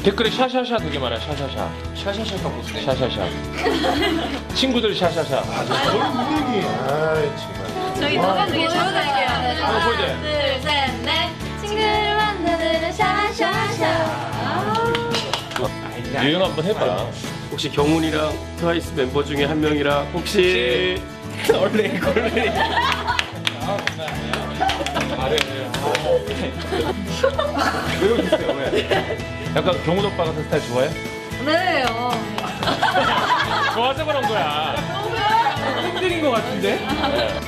댓글에 샤샤샤 되게 많아요. 샤샤샤. 샤샤샤가 무슨 샤샤샤. 친구들 샤샤샤. 뭘 무대기. 아이 정말. 저희 노래 되게 보여드릴게요. 한번 보여줘요. 둘, 셋, 넷. 친구를 만나는 샤샤샤. 유행 한번 해봐. 혹시 경훈이랑 트와이스 멤버 중에 한 명이랑 혹시 얼레 걸레 왜 웃으세요? 왜? 약간 경훈 오빠 같은 스타일 좋아해? 네. 좋아서 그런 거야. 힘들인 것 같은데?